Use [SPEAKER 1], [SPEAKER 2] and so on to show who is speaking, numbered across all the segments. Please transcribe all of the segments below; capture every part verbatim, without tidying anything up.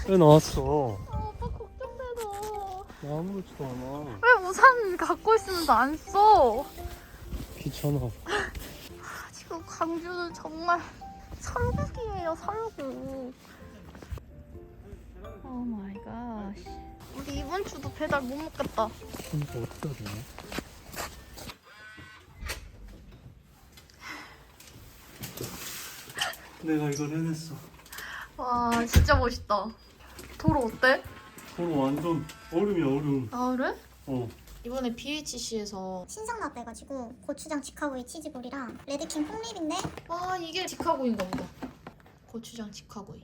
[SPEAKER 1] 왜 나왔어?
[SPEAKER 2] 아, 오빠 걱정돼서.
[SPEAKER 1] 나 아무렇지도 않아.
[SPEAKER 2] 왜 우산 갖고 있으면서 안 써?
[SPEAKER 1] 귀찮아.
[SPEAKER 2] 지금 광주는 정말 설국이에요, 설국. 오 마이 갓. 우리 이번 주도 배달 못 먹겠다.
[SPEAKER 1] 그러니까 어떻게 해야 되나? 내가 이걸 해냈어.
[SPEAKER 2] 와, 진짜 멋있다. 도로 어때?
[SPEAKER 1] 서로 완전 얼음이야 얼음.
[SPEAKER 2] 아, 그래?
[SPEAKER 1] 어.
[SPEAKER 2] 이번에 비에이치씨에서
[SPEAKER 3] 신상 나왔대가지고 고추장 직화구이 치즈볼이랑 레드킹 콩립인데
[SPEAKER 2] 아, 이게 직화구이인가 보다. 고추장 직화구이.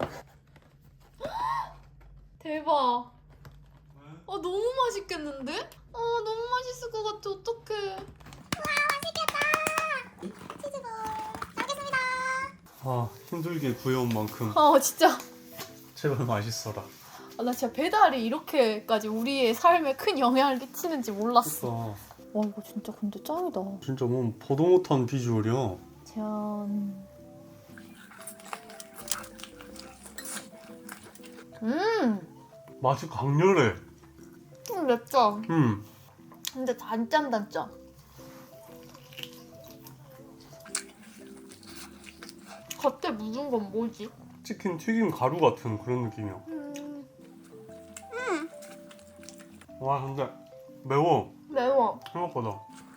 [SPEAKER 2] 대박. 아, 너무 맛있겠는데? 아, 너무 맛있을 것 같아. 어떡해.
[SPEAKER 3] 치즈볼 잘 먹겠습니다.
[SPEAKER 1] 아 힘들게 구해온 만큼
[SPEAKER 2] 아, 진짜.
[SPEAKER 1] 제발 맛있어라.
[SPEAKER 2] 아, 나 진짜 배달이 이렇게까지 우리의 삶에 큰 영향을 끼치는지 몰랐어.
[SPEAKER 1] 그러니까
[SPEAKER 2] 와, 이거 진짜 근데 짱이다.
[SPEAKER 1] 진짜 뭐 보도 못한 비주얼이야.
[SPEAKER 2] 짠. 음,
[SPEAKER 1] 맛이 강렬해.
[SPEAKER 2] 좀 맵다.
[SPEAKER 1] 음.
[SPEAKER 2] 근데 단짠단짠. 겉에 묻은 건 뭐지?
[SPEAKER 1] 치킨 튀김 가루 같은 그런 느낌이야.
[SPEAKER 2] 음,
[SPEAKER 1] 와 근데 매워
[SPEAKER 2] 매워.
[SPEAKER 1] 생각보다.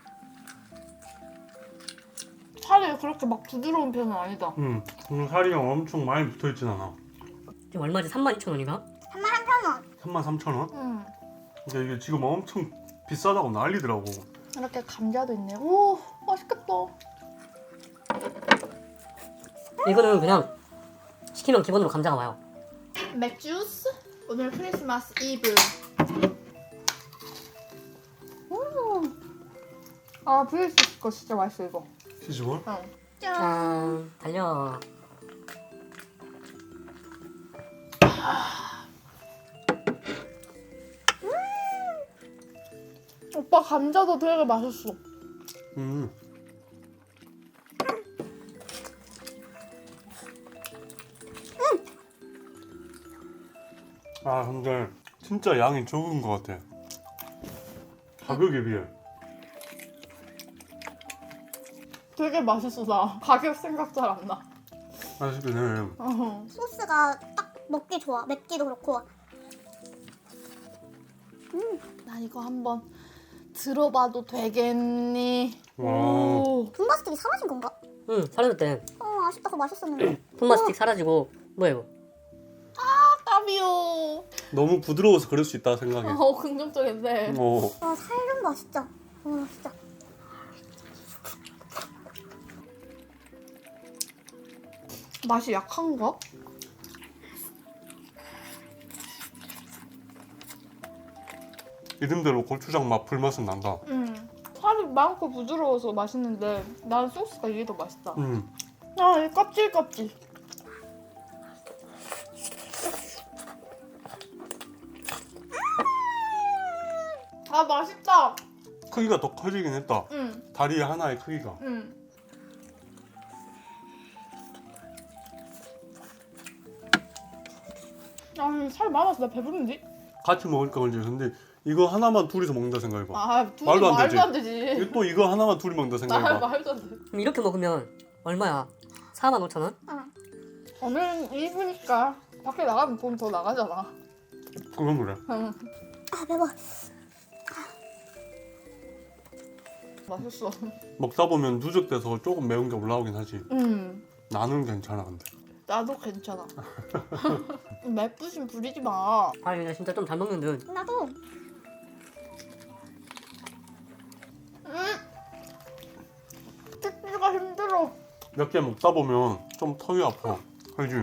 [SPEAKER 2] 살이 그렇게 막 부드러운 편은 아니다.
[SPEAKER 1] 음. 오늘 살이랑 엄청 많이 붙어있진 않아.
[SPEAKER 4] 지금 얼마지? 삼만 이천 원인가?
[SPEAKER 3] 삼만 삼천 원.
[SPEAKER 1] 삼만 삼천 원?
[SPEAKER 2] 음,
[SPEAKER 1] 근데 이게 지금 엄청 비싸다고 난리더라고.
[SPEAKER 2] 이렇게 감자도 있네. 오, 맛있겠다.
[SPEAKER 4] 이거는 그냥 시키면 기본으로 감자가 와요.
[SPEAKER 2] 맥주스? 오늘 크리스마스 이브. 음. 아, 브이에스 거 진짜 맛있어, 이거.
[SPEAKER 1] 치즈볼?
[SPEAKER 2] 응.
[SPEAKER 4] 짠, 달려.
[SPEAKER 2] 오빠 감자도 되게 맛있어.
[SPEAKER 1] 음. 아 근데 진짜 양이 적은 것 같아. 가격에 비해.
[SPEAKER 2] 되게 맛있어, 나. 가격 생각 잘 안 나.
[SPEAKER 1] 맛있긴 해.
[SPEAKER 2] 어.
[SPEAKER 3] 소스가 딱 먹기 좋아. 맵기도 그렇고.
[SPEAKER 2] 난 이거 한번 들어봐도 되겠니?
[SPEAKER 1] 와.
[SPEAKER 2] 오.
[SPEAKER 3] 분바스틱이 사라진 건가?
[SPEAKER 4] 응, 사라졌대.
[SPEAKER 3] 어 아쉽다. 그거 맛있었는데.
[SPEAKER 4] 폰마스틱 사라지고 뭐야 이거?
[SPEAKER 2] 까비오.
[SPEAKER 1] 너무 부드러워서 그럴 수 있다 생각해.
[SPEAKER 2] 어, 긍정적인데.
[SPEAKER 1] 어.
[SPEAKER 3] 와 살좀 봐 진짜. 와 진짜.
[SPEAKER 2] 맛이 약한가?
[SPEAKER 1] 이름대로 고추장 맛 불맛은 난다.
[SPEAKER 2] 음. 살이 많고 부드러워서 맛있는데 난 소스가 이게 더 맛있다.
[SPEAKER 1] 음.
[SPEAKER 2] 아, 이 껍질 껍질. 아, 맛있다.
[SPEAKER 1] 크기가 더 커지긴 했다.
[SPEAKER 2] 응,
[SPEAKER 1] 다리 하나의 크기가.
[SPEAKER 2] 응. 아, 살 많아서 나 배부른지?
[SPEAKER 1] 같이 먹으니까 그런지. 근데 이거 하나만 둘이서 먹는다 생각해봐.
[SPEAKER 2] 아, 둘이
[SPEAKER 1] 말도
[SPEAKER 2] 말도
[SPEAKER 1] 안
[SPEAKER 2] 안
[SPEAKER 1] 되지.
[SPEAKER 2] 되지.
[SPEAKER 1] 이거 또 이거 하나만 둘이 먹는다
[SPEAKER 2] 아,
[SPEAKER 1] 생각해봐.
[SPEAKER 2] 말도 안 돼.
[SPEAKER 4] 그럼 이렇게 먹으면 얼마야? 사만 오천 원?
[SPEAKER 2] 오늘은 이브니까 밖에 나가면 돈 더 나가잖아.
[SPEAKER 1] 그건 그래.
[SPEAKER 2] 응.
[SPEAKER 3] 아 매워.
[SPEAKER 2] 맛있어.
[SPEAKER 1] 먹다 보면 누적돼서 조금 매운 게 올라오긴 하지.
[SPEAKER 2] 응.
[SPEAKER 1] 나는 괜찮아 근데.
[SPEAKER 2] 나도 괜찮아. 맵부심 부리지 마.
[SPEAKER 4] 아, 얘 진짜 좀 잘 먹는 듯.
[SPEAKER 3] 나도.
[SPEAKER 2] 응. 찍기가 힘들어.
[SPEAKER 1] 몇 개 먹다 보면 좀 턱이 아파. 그지?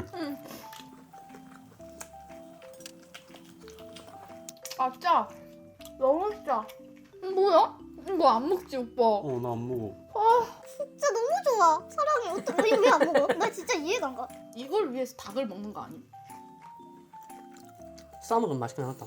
[SPEAKER 2] 아, 짜. 너무 짜. 뭐야? 이거 안 먹지, 오빠?
[SPEAKER 1] 어 나 안 먹어.
[SPEAKER 3] 진짜 너무 좋아. 사랑해. 어떻게 왜 안 먹어? 나 진짜 이해가 안 가.
[SPEAKER 2] 이걸 위해서 닭을 먹는 거 아니?
[SPEAKER 4] 싸먹으면 맛있긴 하다.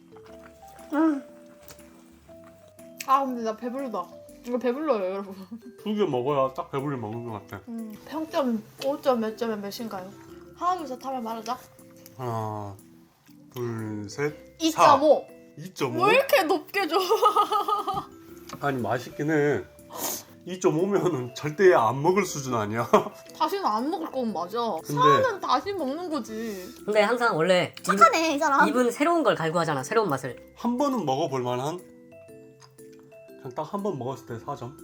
[SPEAKER 2] 아, 근데 나 배부르다. 이거 배불러요, 여러분.
[SPEAKER 1] 두 개 먹어야 딱 배불리 먹는 것 같아.
[SPEAKER 2] 음, 평점 오 점 몇 점에 몇인가요? 하나, 둘, 셋 하면 말하자.
[SPEAKER 1] 하나, 둘, 셋,
[SPEAKER 2] 이 점 오.
[SPEAKER 1] 이 점 오?
[SPEAKER 2] 왜 이렇게 높게 줘?
[SPEAKER 1] 아니 맛있긴 해. 이 점 오면은 절대 안 먹을 수준 아니야.
[SPEAKER 2] 다시는 안 먹을 건 맞아.
[SPEAKER 1] 근데-
[SPEAKER 2] 사는 다시 먹는 거지.
[SPEAKER 4] 근데 항상 원래 입,
[SPEAKER 3] 착하네 이 사람.
[SPEAKER 4] 입은 새로운 걸 갈구하잖아. 새로운 맛을.
[SPEAKER 1] 한 번은 먹어볼 만한? 그냥 딱 한 번 먹었을 때 사 점.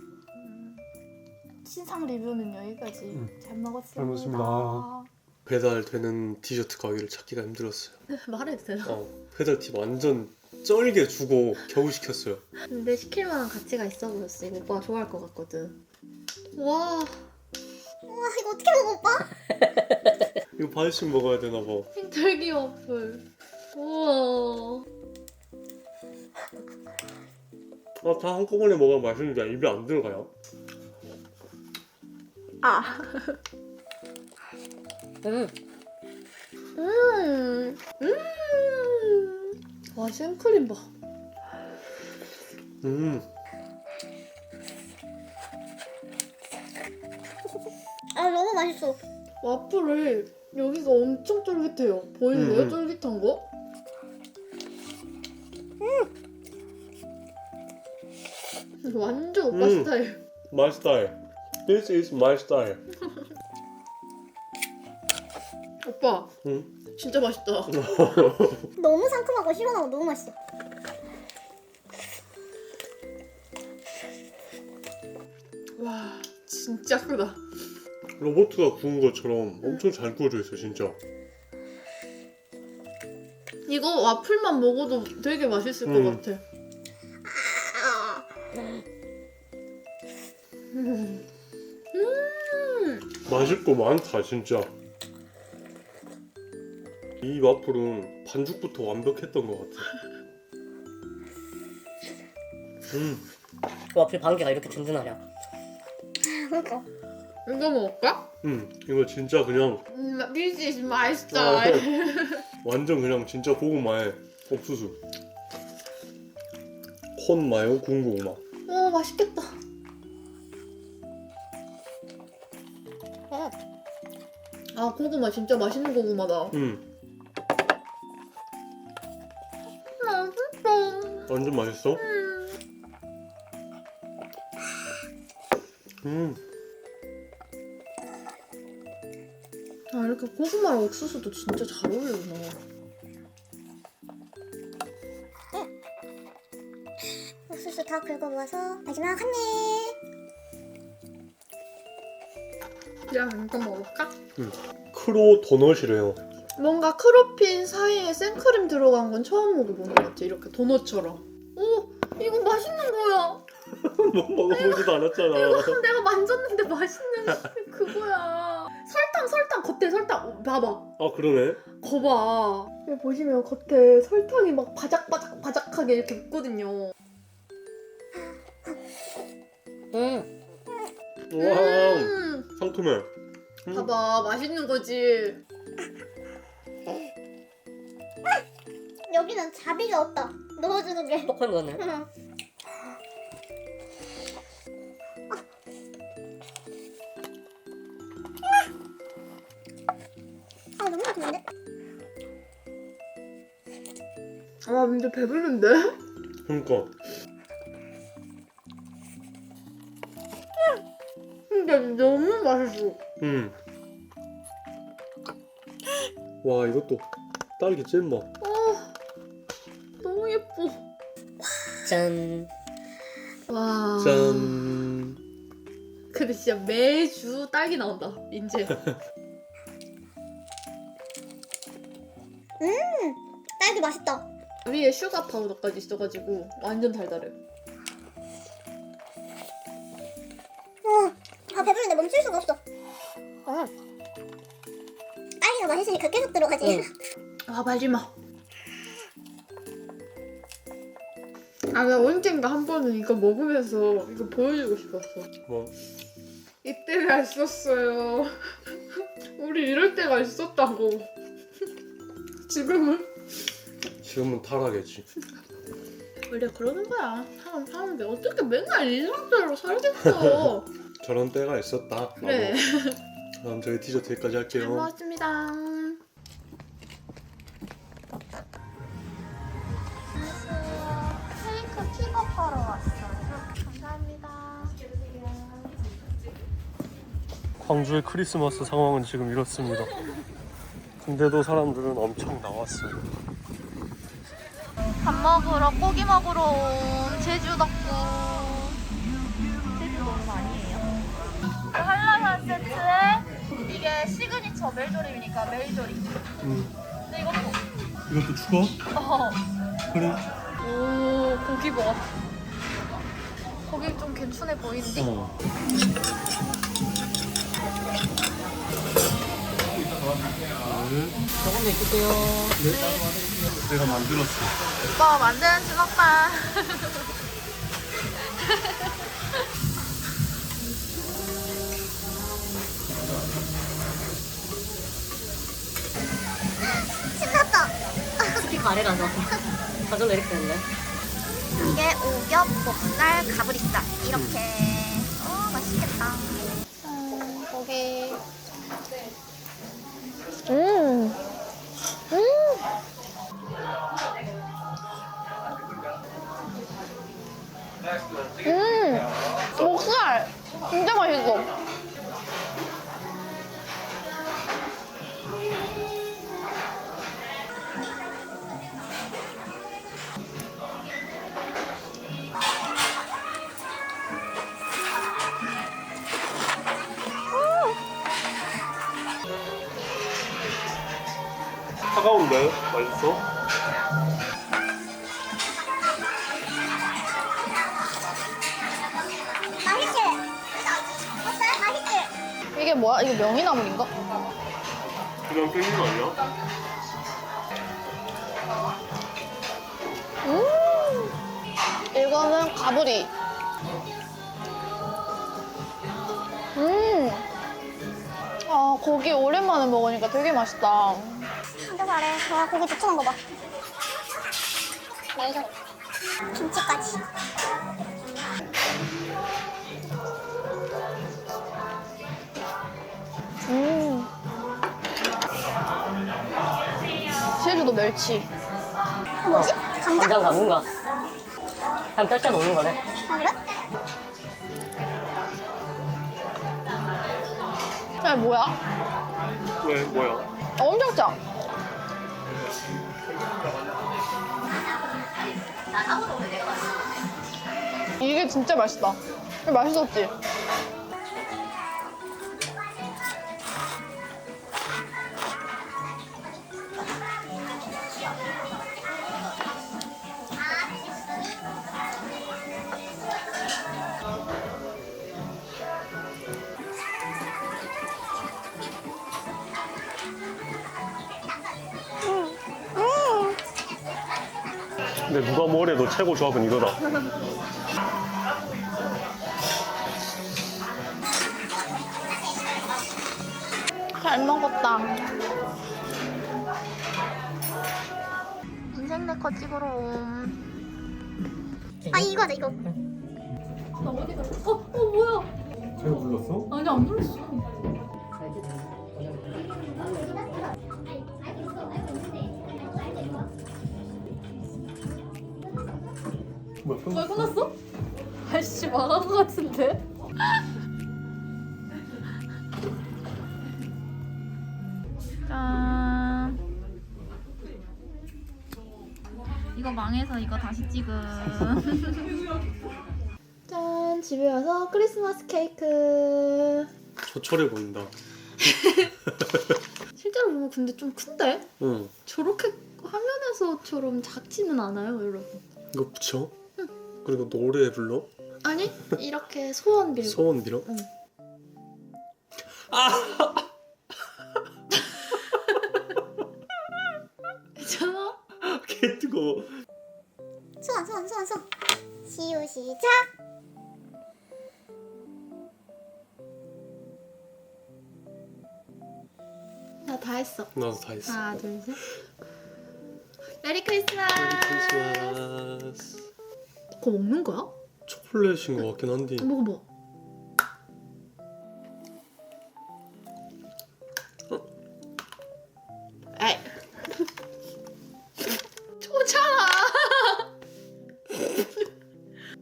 [SPEAKER 2] 신상 리뷰는 여기까지.
[SPEAKER 1] 음.
[SPEAKER 2] 잘 먹었습니다.
[SPEAKER 1] 잘 먹었습니다. 배달되는 디저트 가게를 찾기가 힘들었어요.
[SPEAKER 2] 말해도 되나?
[SPEAKER 1] 어, 배달팁 완전 쩔게 주고 겨우 시켰어요.
[SPEAKER 2] 근데 시킬 만한 가치가 있어 보였어. 이거 오빠가 좋아할 것 같거든. 와,
[SPEAKER 3] 와 이거 어떻게 먹어 오빠?
[SPEAKER 1] 이거 반씩 먹어야 되나 봐.
[SPEAKER 2] 흰털기 와플. 우와.
[SPEAKER 1] 아, 다 한꺼번에 먹으면 맛있는데 입에 안 들어가요.
[SPEAKER 2] 아.
[SPEAKER 4] 음.
[SPEAKER 2] 음. 음. 와, 생크림 봐.
[SPEAKER 1] 음,
[SPEAKER 3] 아 너무 맛있어.
[SPEAKER 2] 와플을 여기가 엄청 쫄깃해요. 보이세요?
[SPEAKER 1] 음.
[SPEAKER 2] 쫄깃한 거? 음. 완전 오빠
[SPEAKER 1] 음.
[SPEAKER 2] 스타일.
[SPEAKER 1] my style. This is my style.
[SPEAKER 2] 오빠,
[SPEAKER 1] 응?
[SPEAKER 2] 진짜 맛있다.
[SPEAKER 3] 너무 상큼하고 시원하고 너무 맛있어.
[SPEAKER 2] 와, 진짜 크다.
[SPEAKER 1] 로봇가 구운 것처럼 엄청 잘 구워져 있어 진짜.
[SPEAKER 2] 이거 와플만 먹어도 되게 맛있을
[SPEAKER 1] 음.
[SPEAKER 2] 것 같아. 음. 음.
[SPEAKER 1] 맛있고 많다 진짜. 이 와플은 반죽부터 완벽했던 것 같아. 음,
[SPEAKER 4] 와플 반개가 이렇게 든든하냐.
[SPEAKER 3] 그러니까.
[SPEAKER 2] 이거 먹을까?
[SPEAKER 1] 음, 이거 진짜 그냥
[SPEAKER 2] 음, This is my style.
[SPEAKER 1] 완전 그냥 진짜 고구마에 옥수수. 콘 마요 구운 고구마.
[SPEAKER 2] 오, 맛있겠다. 아, 고구마 진짜 맛있는 고구마다.
[SPEAKER 1] 음,
[SPEAKER 2] 맛있어.
[SPEAKER 1] 완전 맛있어.
[SPEAKER 2] 음.
[SPEAKER 1] 음,
[SPEAKER 2] 아, 이렇게 고구마랑 옥수수도 진짜 잘 어울리구나.
[SPEAKER 3] 옥수수 다 긁어모아서 마지막 한 입.
[SPEAKER 2] 야, 이거 먹을까?
[SPEAKER 1] 크로 도넛이래요.
[SPEAKER 2] 뭔가 크로핀 사이에 생크림 들어간 건 처음 먹어보는 것 같아. 이렇게 도넛처럼. 오, 이거 맛있는 거야.
[SPEAKER 1] 뭐 먹어보지도 않았잖아.
[SPEAKER 2] 이거 내가 만졌는데 맛있는 그거야. 설탕, 설탕, 겉에 설탕. 어, 봐봐.
[SPEAKER 1] 아 그러네.
[SPEAKER 2] 거봐. 여기 보시면 겉에 설탕이 막 바작바작 바작하게 이렇게 있거든요.
[SPEAKER 4] 음.
[SPEAKER 1] 와,
[SPEAKER 2] 음,
[SPEAKER 1] 상큼해. 음.
[SPEAKER 2] 봐봐, 맛있는 거지.
[SPEAKER 3] 여기는 자비가 없다. 넣어주는 게.
[SPEAKER 4] 똑같이 먹었네.
[SPEAKER 3] 응. 아 너무 맛있는데?
[SPEAKER 2] 아, 근데 배부른데?
[SPEAKER 1] 그러니까.
[SPEAKER 2] 근데 너무 맛있어.
[SPEAKER 1] 음. 와 이것도 딸기 잼맛.
[SPEAKER 2] 아, 너무 예뻐.
[SPEAKER 4] 짠.
[SPEAKER 2] 와.
[SPEAKER 1] 짠.
[SPEAKER 2] 근데 진짜 매주 딸기 나온다, 이제.
[SPEAKER 3] 딸기 맛있다.
[SPEAKER 2] 위에 슈가 파우더까지 있어가지고 완전 달달해.
[SPEAKER 3] 어, 아 배부른데 멈출 수가 없어. 어. 딸기가 맛있으니까 계속 들어가지.
[SPEAKER 4] 응.
[SPEAKER 2] 아, 마지막. 아, 나 언젠가 한 번은 이거 먹으면서 이거 보여주고 싶었어.
[SPEAKER 1] 뭐
[SPEAKER 2] 이때가 있었어요. 우리 이럴 때가 있었다고. 지금은?
[SPEAKER 1] 지금은 타락이지.
[SPEAKER 2] 원래 그러는 거야. 사람 사는데 어떻게 맨날 일상대로 살겠어.
[SPEAKER 1] 저런 때가 있었다.
[SPEAKER 2] 그래.
[SPEAKER 1] 그럼 저희 디저트 여기까지
[SPEAKER 2] 잘
[SPEAKER 1] 할게요.
[SPEAKER 2] 먹었습니다. 사러 왔어요. 감사합니다.
[SPEAKER 1] 광주의 크리스마스 상황은 지금 이렇습니다. 근데도 사람들은 엄청 나왔어요.
[SPEAKER 2] 밥 먹으러 고기 먹으러 온 제주 덕구. 제주 너무 아니에요. 한라산 세트에 이게 시그니처 멜조림이니까 멜조림.
[SPEAKER 1] 음,
[SPEAKER 2] 근데 이것도
[SPEAKER 1] 이것도 추가?
[SPEAKER 2] 어.
[SPEAKER 1] 그래.
[SPEAKER 2] 오 고기 봐. 고기 좀 괜찮해 보이는데?
[SPEAKER 1] 어. 네.
[SPEAKER 4] 조금만 있을게요.
[SPEAKER 1] 내가 만들었어.
[SPEAKER 2] 오빠 만드는 주먹밥.
[SPEAKER 3] 신났다.
[SPEAKER 4] 스피커 아래라서 저절로 이렇게 되는데.
[SPEAKER 3] 이게 오겹, 볶날, 가브리살 이렇게. 어 맛있겠다.
[SPEAKER 2] 음, 고기. 음. 음. 음. 목살. 진짜 맛있어.
[SPEAKER 1] 차가운데? 맛있어?
[SPEAKER 3] 맛있지? 어때? 맛있지?
[SPEAKER 2] 이게 뭐야? 이거 명이나물인가?
[SPEAKER 1] 그냥 땡긴 거 아니야?
[SPEAKER 2] 음. 이거는 가브리. 음. 아, 고기 오랜만에 먹으니까 되게 맛있다.
[SPEAKER 3] 진짜 잘해. 와 고기 두툼한 거 봐. 멜조림. 김치까지.
[SPEAKER 2] 음. 제주도 멸치.
[SPEAKER 3] 뭐지? 감자?
[SPEAKER 4] 간장 담은가? 그냥 뼈짜 놓는 거네.
[SPEAKER 3] 아 그래?
[SPEAKER 2] 야, 뭐야?
[SPEAKER 1] 왜? 뭐야?
[SPEAKER 2] 아, 엄청 짜. 이게 진짜 맛있다. 이거 맛있었지?
[SPEAKER 1] 근데 누가 뭐래도 최고 조합은 이거다.
[SPEAKER 2] 잘 먹었다. 인생 네컷 찍으러 옴.
[SPEAKER 3] 아 이거다 이거.
[SPEAKER 2] 나 어디 갔어? 어, 어 뭐야?
[SPEAKER 1] 제가 불렀어?
[SPEAKER 2] 아니 안 불렀어.
[SPEAKER 1] 뭐야? 끝났어?
[SPEAKER 2] 왜 끝났어? 아이씨 망한 것 같은데? 짠. 이거 망해서 이거 다시 찍음. 짠, 집에 와서 크리스마스 케이크.
[SPEAKER 1] 저철해 보인다.
[SPEAKER 2] 실제로 보면 근데 좀 큰데?
[SPEAKER 1] 응.
[SPEAKER 2] 저렇게 화면에서처럼 작지는 않아요, 여러분.
[SPEAKER 1] 이거 붙여? 그리고 노래 불러?
[SPEAKER 2] 아니, 이렇게 소원 빌고.
[SPEAKER 1] 소원 빌어?
[SPEAKER 2] 응. 괜찮아?
[SPEAKER 1] 개 뜨거워.
[SPEAKER 3] 소원 소원 소원 소원. 시우 시작.
[SPEAKER 2] 나 다 했어.
[SPEAKER 1] 나도 다 했어.
[SPEAKER 2] 하나, 둘, 셋. 메리 크리스마스.
[SPEAKER 1] 메리 크리스마스.
[SPEAKER 2] 그거 먹는 거야?
[SPEAKER 1] 초콜릿인 것 같긴 한데.
[SPEAKER 2] 먹어봐. 에이. 좋잖아.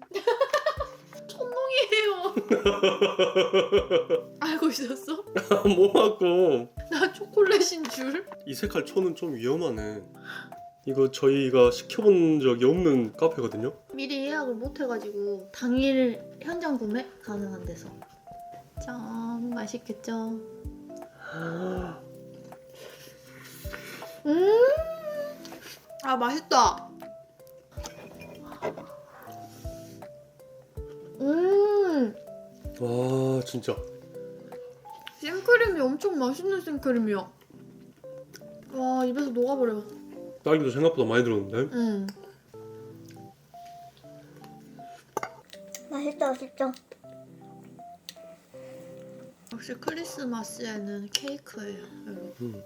[SPEAKER 2] 알고 있었어?
[SPEAKER 1] 뭐하고?
[SPEAKER 2] 나 초콜릿인 줄.
[SPEAKER 1] 이 색깔 초는 좀 위험하네. 이거 저희가 시켜본 적이 없는 카페거든요.
[SPEAKER 2] 미리 예약을 못 해가지고 당일 현장 구매 가능한 데서. 짠, 맛있겠죠? 음, 아 맛있다. 음,
[SPEAKER 1] 와 진짜.
[SPEAKER 2] 생크림이 엄청 맛있는 생크림이야. 와 입에서 녹아버려.
[SPEAKER 1] 딸기도 생각보다 많이 들었는데.
[SPEAKER 2] 음.
[SPEAKER 3] 맛있다 진짜.
[SPEAKER 2] 역시 크리스마스에는 케이크예요, 여러분.
[SPEAKER 1] 음.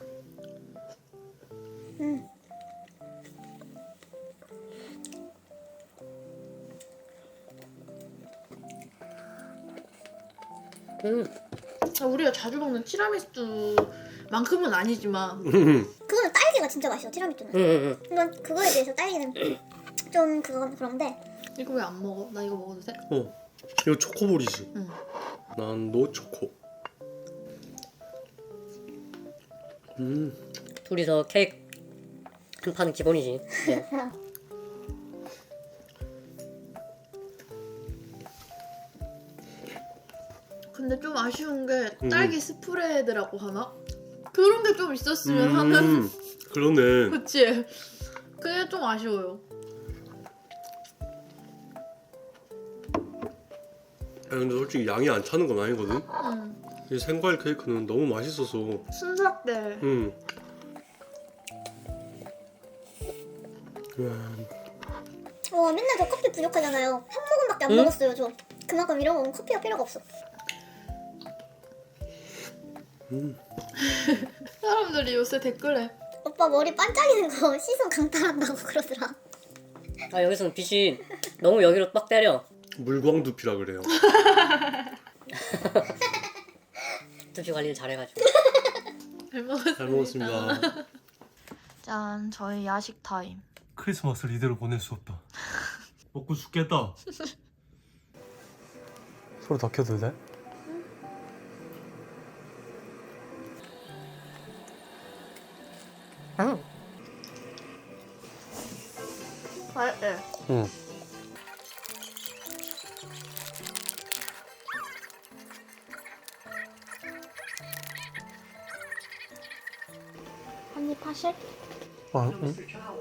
[SPEAKER 3] 음.
[SPEAKER 4] 음.
[SPEAKER 2] 아, 우리가 자주 먹는 티라미수만큼은 아니지만
[SPEAKER 3] 그거는 딸기가 진짜 맛있어 티라미수는.
[SPEAKER 4] 음, 음,
[SPEAKER 3] 이건 그거에 비해서 딸기는 좀 그건 그런데.
[SPEAKER 2] 이거 왜 안 먹어? 나 이거 먹어도 돼?
[SPEAKER 1] 어. 이거 초코볼이지.
[SPEAKER 2] 응.
[SPEAKER 1] 난 노초코. 음.
[SPEAKER 4] 음. 둘이서 케이크 한 판은 기본이지. 네.
[SPEAKER 2] 근데 좀 아쉬운 게
[SPEAKER 1] 음.
[SPEAKER 2] 딸기 스프레드라고 하나? 그런 게 좀 있었으면 하는.
[SPEAKER 1] 음. 그러네.
[SPEAKER 2] 그치? 그게 좀 아쉬워요.
[SPEAKER 1] 아 근데 솔직히 양이 안 차는 건 아니거든.
[SPEAKER 2] 응.
[SPEAKER 1] 이 생과일 케이크는 너무 맛있어서.
[SPEAKER 2] 순삭 때.
[SPEAKER 1] 음.
[SPEAKER 3] 와 맨날 저 커피 부족하잖아요. 한 모금밖에 안
[SPEAKER 4] 응?
[SPEAKER 3] 먹었어요 저. 그만큼 이런 거는 커피가 필요가 없어.
[SPEAKER 1] 음.
[SPEAKER 2] 사람들이 요새 댓글에
[SPEAKER 3] 오빠 머리 반짝이는 거 시선 강탈한다고 그러더라.
[SPEAKER 4] 아 여기서는 빛이 너무 여기로 빡 때려.
[SPEAKER 1] 물광두피라 그래요.
[SPEAKER 4] 두피 관리를 잘해가지고.
[SPEAKER 2] 잘 먹었습니다.
[SPEAKER 1] 잘 먹었습니다.
[SPEAKER 2] 짠, 저희 야식 타임.
[SPEAKER 1] 크리스마스를 이대로 보낼 수 없다. 먹고 죽겠다. 소리 다 켜도 돼?
[SPEAKER 4] 응.
[SPEAKER 2] 맛있대.
[SPEAKER 1] 응.
[SPEAKER 2] 한입 하실?
[SPEAKER 1] 아, 응?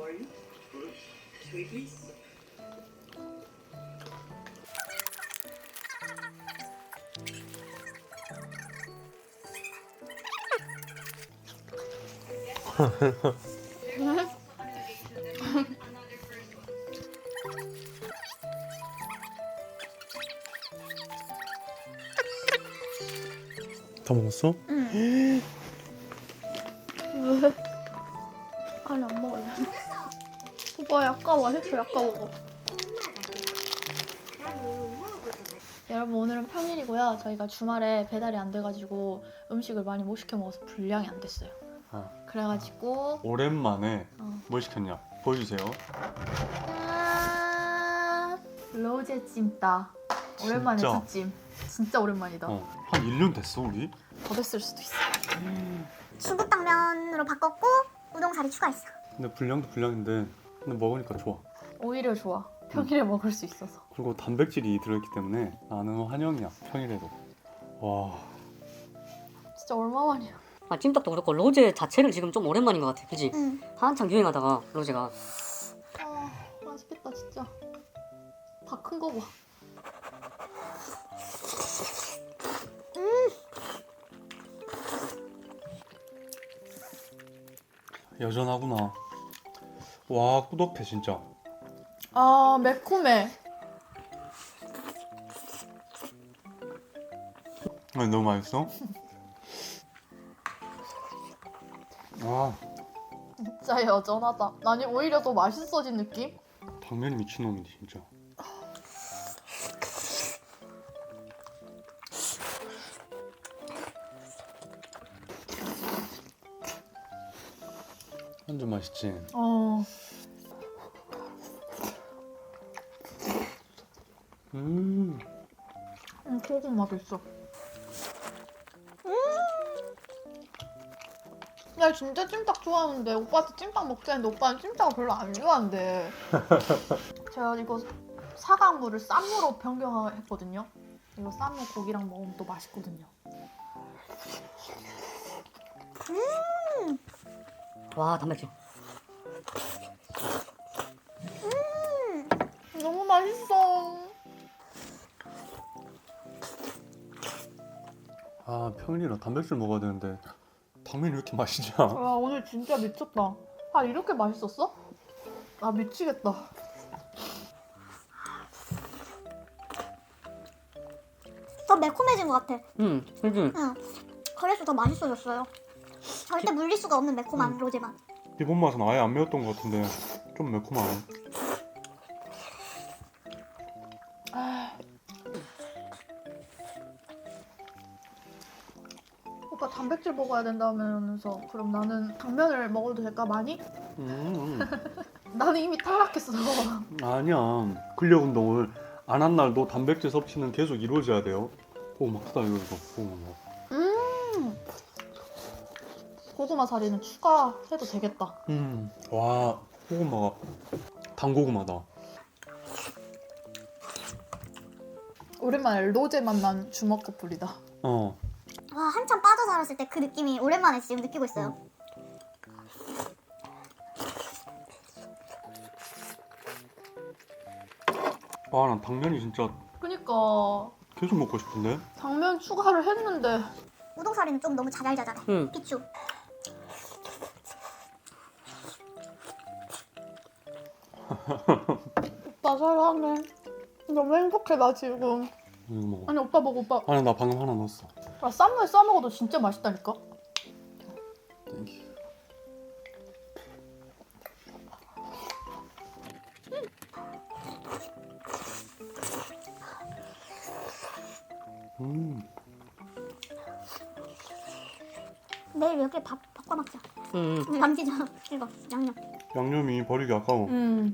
[SPEAKER 1] 다 먹었어?
[SPEAKER 2] 응. 왜? 아니 안 먹을래. 오빠 아까워. 해초 아까 먹어. 여러분 오늘은 평일이고요. 저희가 주말에 배달이 안 돼가지고 음식을 많이 못 시켜 먹어서 분량이 안 됐어요.
[SPEAKER 1] 어.
[SPEAKER 2] 그래가지고
[SPEAKER 1] 오랜만에
[SPEAKER 2] 어.
[SPEAKER 1] 뭘 시켰냐? 보여주세요.
[SPEAKER 2] 짠! 로제 찜닭. 오랜만에
[SPEAKER 1] 진짜?
[SPEAKER 2] 찜. 진짜 오랜만이다.
[SPEAKER 1] 어. 한 일 년 됐어 우리?
[SPEAKER 2] 더 됐을 수도 있어.
[SPEAKER 3] 중국당면으로 바꿨고 우동사리 추가했어.
[SPEAKER 1] 근데 분량도 분량인데 근데 먹으니까 좋아.
[SPEAKER 2] 오히려 좋아. 평일에 먹을 수 있어서.
[SPEAKER 1] 그리고 단백질이 들어있기 때문에 나는 환영이야 평일에도. 와.
[SPEAKER 2] 진짜 얼마만이야.
[SPEAKER 4] 아 찜닭도 그렇고 로제 자체를 지금 좀 오랜만인 것 같아. 그지?
[SPEAKER 3] 응.
[SPEAKER 4] 한창 유행하다가 로제가.
[SPEAKER 2] 아 맛있겠다 진짜. 다 큰 거 봐.
[SPEAKER 1] 여전하구나. 와 꾸덕해 진짜.
[SPEAKER 2] 아 매콤해.
[SPEAKER 1] 아니 너무 맛있어? 아
[SPEAKER 2] 진짜 여전하다. 아니 오히려 더 맛있어진 느낌?
[SPEAKER 1] 당면이 미친놈이지 진짜. 완전 맛있지?
[SPEAKER 2] 어.
[SPEAKER 1] 음.
[SPEAKER 2] 음, 고구마도 있어. 음. 나 진짜 찜닭 좋아하는데 오빠한테 찜닭 먹자 했는데 오빠는 찜닭을 별로 안 좋아한대. 제가 이거 사과물을 쌈무로 변경했거든요. 이거 쌈무 고기랑 먹으면 또 맛있거든요.
[SPEAKER 4] 와 단백질.
[SPEAKER 2] 너무 맛있어.
[SPEAKER 1] 아 평일이라 단백질 먹어야 되는데 당면이 왜 이렇게 맛있냐?
[SPEAKER 2] 와 오늘 진짜 미쳤다. 아 이렇게 맛있었어? 아 미치겠다.
[SPEAKER 3] 더 매콤해진 것 같아.
[SPEAKER 4] 음, 그지.
[SPEAKER 3] 응. 그래서 더 맛있어졌어요. 절대 물릴 수가 없는 매콤한 로제 맛.
[SPEAKER 1] 기본 맛은 아예 안 매웠던 것 같은데 좀 매콤하네.
[SPEAKER 2] 오빠 단백질 먹어야 된다면서 그럼 나는 당면을 먹어도 될까 많이?
[SPEAKER 1] 음,
[SPEAKER 2] 나는 이미 탈락했어.
[SPEAKER 1] 아니야. 근력 운동을 안 한 날도 단백질 섭취는 계속 이루어져야 돼요. 오, 막 크다 이거 이거. 고구마.
[SPEAKER 2] 음. 고구마 사리는 추가해도 되겠다.
[SPEAKER 1] 음, 와 고구마가 단고구마다.
[SPEAKER 2] 오랜만에 로제 맛난 주먹 커플이다.
[SPEAKER 1] 어.
[SPEAKER 3] 와 한참 빠져 살았을 때 그 느낌이 오랜만에 지금 느끼고 있어요.
[SPEAKER 1] 아, 난 당면이 진짜
[SPEAKER 2] 그니까
[SPEAKER 1] 계속 먹고 싶은데.
[SPEAKER 2] 당면 추가를 했는데
[SPEAKER 3] 우동사리는 좀 너무 자잘자잘해.
[SPEAKER 4] 음.
[SPEAKER 3] 비추.
[SPEAKER 2] 오빠 사랑해. 너무 행복해 나 지금.
[SPEAKER 1] 이거 먹어.
[SPEAKER 2] 아니 오빠 먹어 오빠.
[SPEAKER 1] 아니 나 방금 하나 넣었어.
[SPEAKER 2] 아, 쌈무에 싸 먹어도 진짜 맛있다니까.
[SPEAKER 1] 땡큐. 음.
[SPEAKER 3] 내일 여기 밥 바꿔 먹자.
[SPEAKER 4] 음.
[SPEAKER 3] 남기자. 이거 양념.
[SPEAKER 1] 양념이 버리기 아까워.
[SPEAKER 2] 음.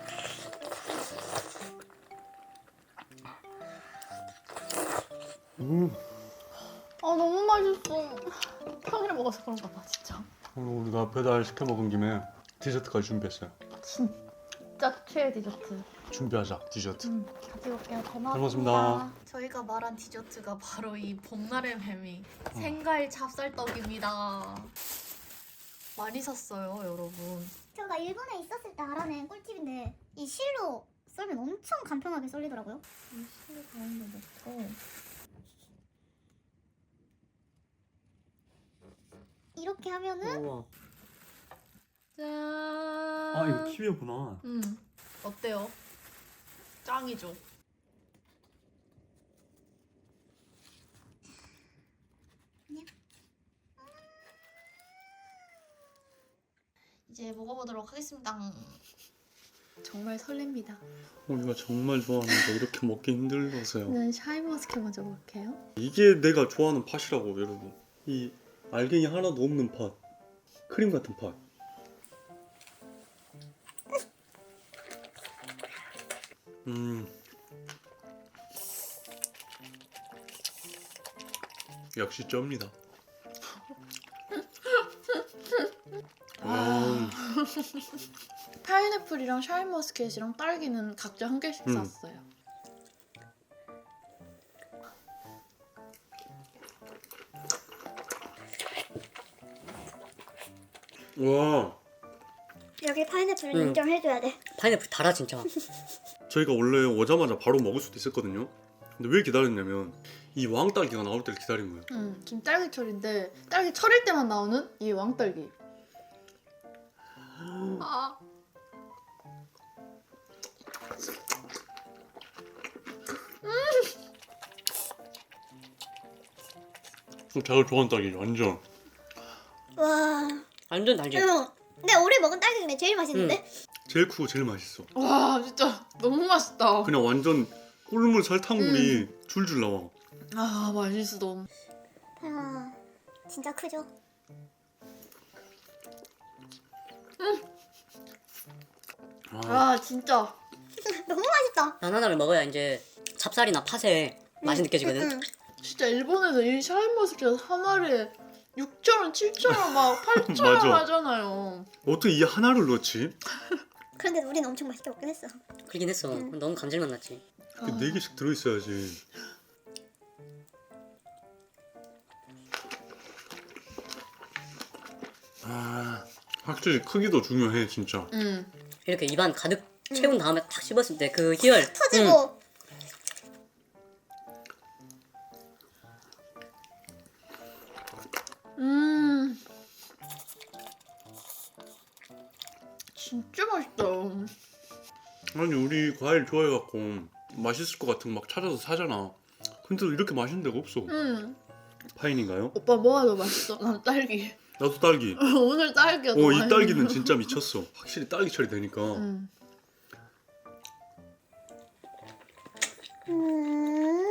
[SPEAKER 1] 음.
[SPEAKER 2] 아 너무 맛있어. 평일에 먹어서 그런가 봐 진짜.
[SPEAKER 1] 그리고 우리가 배달 시켜 먹은 김에 디저트까지 준비했어요.
[SPEAKER 2] 진짜 최애 디저트.
[SPEAKER 1] 준비하자 디저트.
[SPEAKER 2] 음, 가져올게요. 고맙습니다.
[SPEAKER 1] 잘 먹었습니다.
[SPEAKER 2] 저희가 말한 디저트가 바로 이 봄날의 뱀이 생과일 찹쌀떡입니다. 많이 샀어요, 여러분.
[SPEAKER 3] 제가 일본에 있었을 때 알아낸 꿀팁인데 이 실로 썰면 엄청 간편하게 썰리더라고요.
[SPEAKER 2] 이 실을 가운데 넣고
[SPEAKER 3] 이렇게 하면은
[SPEAKER 4] 우와.
[SPEAKER 2] 짠.
[SPEAKER 1] 아 이거 키위구나.
[SPEAKER 2] 음, 어때요? 짱이죠. 이제 먹어보도록 하겠습니다. 정말 설렙니다.
[SPEAKER 1] 우리가 정말 좋아하는데 이렇게 먹기 힘들어서요.
[SPEAKER 2] 저는 샤인머스켓 먼저 먹을게요.
[SPEAKER 1] 이게 내가 좋아하는 팥이라고 여러분. 이 알갱이 하나도 없는 팥. 크림 같은 팥. 음. 역시 쩝니다. 음.
[SPEAKER 2] 파인애플이랑 샤인머스켓이랑 딸기는 각자 한 개씩
[SPEAKER 1] 음.
[SPEAKER 2] 샀어요.
[SPEAKER 1] 와.
[SPEAKER 3] 여기 파인애플을
[SPEAKER 4] 음.
[SPEAKER 3] 인정해줘야 돼.
[SPEAKER 4] 파인애플 달아 진짜.
[SPEAKER 1] 저희가 원래 오자마자 바로 먹을 수도 있었거든요. 근데 왜 기다렸냐면 이 왕딸기가 나올 때를 기다린 거예요.
[SPEAKER 2] 음, 지금 딸기철인데 딸기 철일 때만 나오는 이 왕딸기. 아.
[SPEAKER 1] 제가 좋아하는 딸기죠, 완전.
[SPEAKER 3] 와.
[SPEAKER 4] 완전 달지.
[SPEAKER 3] 응. 근데 우리 먹은 딸기 중에 제일 맛있는데?
[SPEAKER 1] 제일 크고 제일 맛있어.
[SPEAKER 2] 와 진짜 너무 맛있다.
[SPEAKER 1] 그냥 완전 꿀물 설탕물이 줄줄 나와.
[SPEAKER 2] 아 맛있어.
[SPEAKER 3] 아, 진짜 크죠?
[SPEAKER 1] 아,
[SPEAKER 2] 아 진짜.
[SPEAKER 3] 너무 맛있다.
[SPEAKER 4] 난 하나를 먹어야 이제 찹쌀이나 팥에 맛이 느껴지거든.
[SPEAKER 3] 응, 응.
[SPEAKER 2] 진짜 일본에서 이 샤인머스켓 하나에 육천 원, 칠천 원, 막 팔천 원
[SPEAKER 1] 맞아.
[SPEAKER 2] 하잖아요.
[SPEAKER 1] 어떻게 이 하나를 넣지?
[SPEAKER 3] 그런데 우리는 엄청 맛있게 먹긴 했어.
[SPEAKER 4] 그러긴 했어.
[SPEAKER 3] 응.
[SPEAKER 4] 너무 감질맛 났지.
[SPEAKER 2] 아.
[SPEAKER 1] 네 개씩 들어있어야지. 아, 확실히 크기도 중요해 진짜.
[SPEAKER 2] 응.
[SPEAKER 4] 이렇게 입안 가득 채운 다음에 탁 씹었을 때 그 희열. 응.
[SPEAKER 3] 터지고.
[SPEAKER 2] 음. 진짜 맛있다.
[SPEAKER 1] 아니 우리 과일 좋아해갖고 맛있을 것 같은 거 막 찾아서 사잖아. 근데 이렇게 맛있는 데가 없어.
[SPEAKER 2] 음.
[SPEAKER 1] 파인인가요?
[SPEAKER 2] 오빠 뭐가 더 맛있어? 난 딸기.
[SPEAKER 1] 나도 딸기.
[SPEAKER 2] 오늘 딸기가 더
[SPEAKER 1] 어, 이
[SPEAKER 2] 맛있어.
[SPEAKER 1] 딸기는 진짜 미쳤어. 확실히 딸기 처리 되니까.
[SPEAKER 2] 음.
[SPEAKER 3] 음.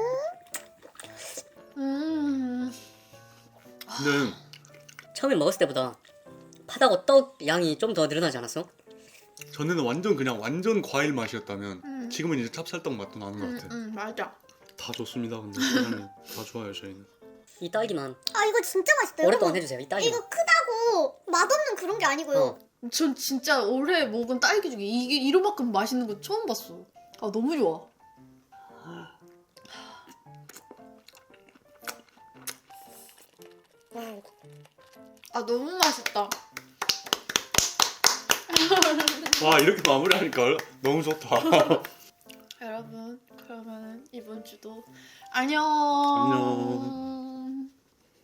[SPEAKER 2] 음.
[SPEAKER 1] 근데
[SPEAKER 4] 처음에 먹었을 때보다 팥하고 떡 양이 좀 더 늘어나지 않았어?
[SPEAKER 1] 전에는 완전 그냥 완전 과일 맛이었다면
[SPEAKER 2] 음.
[SPEAKER 1] 지금은 이제 찹쌀떡 맛도 나는 것
[SPEAKER 2] 음,
[SPEAKER 1] 같아.
[SPEAKER 2] 음, 맞아.
[SPEAKER 1] 다 좋습니다. 근데 세상에 다 좋아요 저희는.
[SPEAKER 4] 이 딸기만
[SPEAKER 3] 아 이거 진짜 맛있다.
[SPEAKER 4] 오랫동안
[SPEAKER 3] 여러분.
[SPEAKER 4] 해주세요. 이 딸기만.
[SPEAKER 3] 이거 크다고 맛없는 그런 게 아니고요.
[SPEAKER 4] 어.
[SPEAKER 2] 전 진짜 올해 먹은 딸기 중에 이게 이로만큼 맛있는 거 처음 봤어. 아 너무 좋아. 아 너무 맛있다.
[SPEAKER 1] 와 이렇게 마무리하니까 너무 좋다.
[SPEAKER 2] 여러분 그러면 이번 주도 안녕.
[SPEAKER 1] 안녕.